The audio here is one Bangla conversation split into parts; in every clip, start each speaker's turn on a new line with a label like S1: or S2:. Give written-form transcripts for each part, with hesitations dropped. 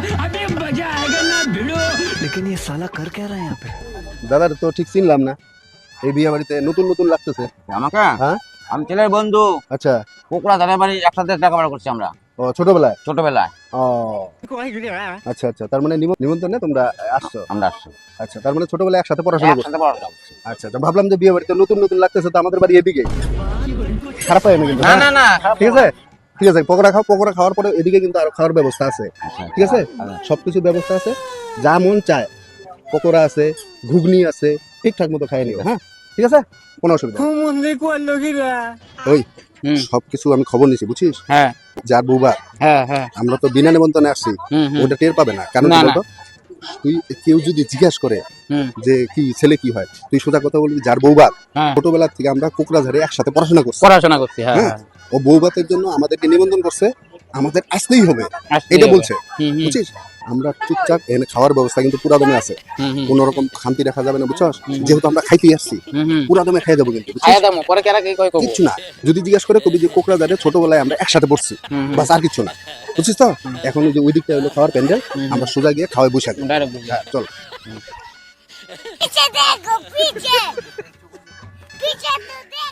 S1: अभी मजा आएगा ना भिड़ो।
S2: लेकिन ये साला कर क्या रहा है यहाँ पे?
S3: দাদার তো ঠিক চিনলাম না, এই বিয়ে বাড়িতে নতুন নতুন লাগতেছে।
S4: আমাকে
S3: হ্যাঁ
S4: আমি ছেলের বন্ধু
S3: আচ্ছা,
S4: কোকড়া দাদা বাড়ি একসাথে লেখাপড়া করছি আমরা
S3: ও ছোটবেলায়।
S4: ছোটবেলায়।
S3: ও আচ্ছা আচ্ছা, তার মানে নিমন্ত্রণে তোমরা আসছো।
S4: আমরা আসছি
S3: আচ্ছা, তার মানে ছোটবেলায় একসাথে পড়াশোনা করছো।
S4: একসাথে পড়াশোনা করছি।
S3: আচ্ছা আচ্ছা, ভাবলাম যে বিয়ে বাড়িতে নতুন নতুন লাগতেছে, তো আমাদের বাড়ি এদিকে। খারাপ হয় না কিন্তু?
S4: না
S3: হ্যাঁ?
S4: না না খারাপ
S3: ঠিক আছে ঠিক আছে, পকোড়া খাও, পকোড়া খাওয়ার পরে এদিকে কিন্তু আরো খাওয়ার ব্যবস্থা আছে। ঠিক আছে, সবকিছু ব্যবস্থা আছে, যা মন চায়। পকোড়া আছে, ঘুগনি আছে, ঠিকঠাক মতো খাই নিও। হ্যাঁ ঠিক আছে, কোনো অসুবিধা নেই। ওই সবকিছু আমি খবর নিছি, বুঝছিস?
S4: হ্যাঁ
S3: যার বউবা,
S4: হ্যাঁ হ্যাঁ
S3: আমরা তো বিনা নিমন্ত্রণে আসছি, ওটা টের পাবে না। কারণ
S4: না,
S3: কি
S4: না।
S3: বলতো, তুই কেউ যদি জিজ্ঞাসা করে যে কি ছেলে কি হয়, তুই সোজা কথা বলবি যার বউবা।
S4: হ্যাঁ।
S3: ছোটবেলা থেকে আমরা কোকড়াঝাড়ে একসাথে পড়াশোনা করছি।
S4: পড়াশোনা করছি। হ্যাঁ
S3: হ্যাঁ, ও বউবাতের জন্য আমাদেরকে নিমন্ত্রণ করছে, আমাদের আসতেই হবে,
S4: আসতেই
S3: এটা
S4: হবে।
S3: বলছে। বুঝছিস, আমরা চুপচাপ এখানে খাওয়ার ব্যবস্থা কিন্তু পুরা দমে আছে, কোন রকম খামতি রাখা যাবে না, বুঝছস? যেহেতু আমরা খাইতেই আসছি, পুরা দমে খাই যাবো কিন্তু, বুঝছিস?
S4: খাইয়া দামো পরে কেরা কি কই কব
S3: কিচ্ছু না, যদি জিজ্ঞাস করে কবি যে কোকড়াঝাড়ে ছোটবেলায় আমরা একসাথে পড়ছি, বাস আর কিছু না, বুঝছিস তো? এখন যে ওই দিকটা হলো খাওয়ার প্যান্ডেল, আমরা সোজা গিয়ে খাওয়াই বসে থাকবো।
S4: ডাইরেক্ট
S3: হ্যাঁ, চল।
S5: पीछे देखो पीछे पीछे तो देखो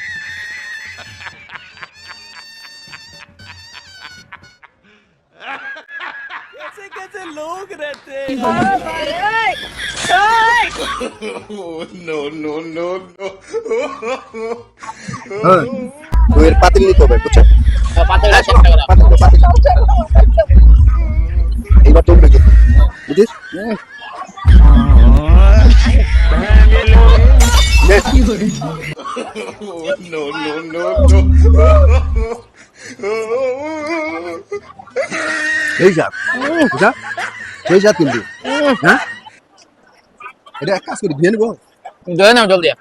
S3: হ্যাঁ, তুই এর পাতিল নিতে হবে, বুঝছো?
S4: পাতে চেষ্টা করা
S3: পাতিল। এইবার তোমরা কি বুঝিস? এই যা বুঝা, সেই যা কিন্তু। হ্যাঁ, এটা এক কাজ করি, দিয়ে নেবো।
S4: জয় নাও জলদি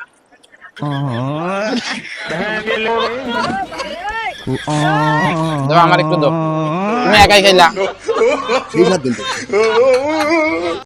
S4: দাও আমার একটু দাও তুমি একাই খাইলা
S3: সেই যা কিন্তু।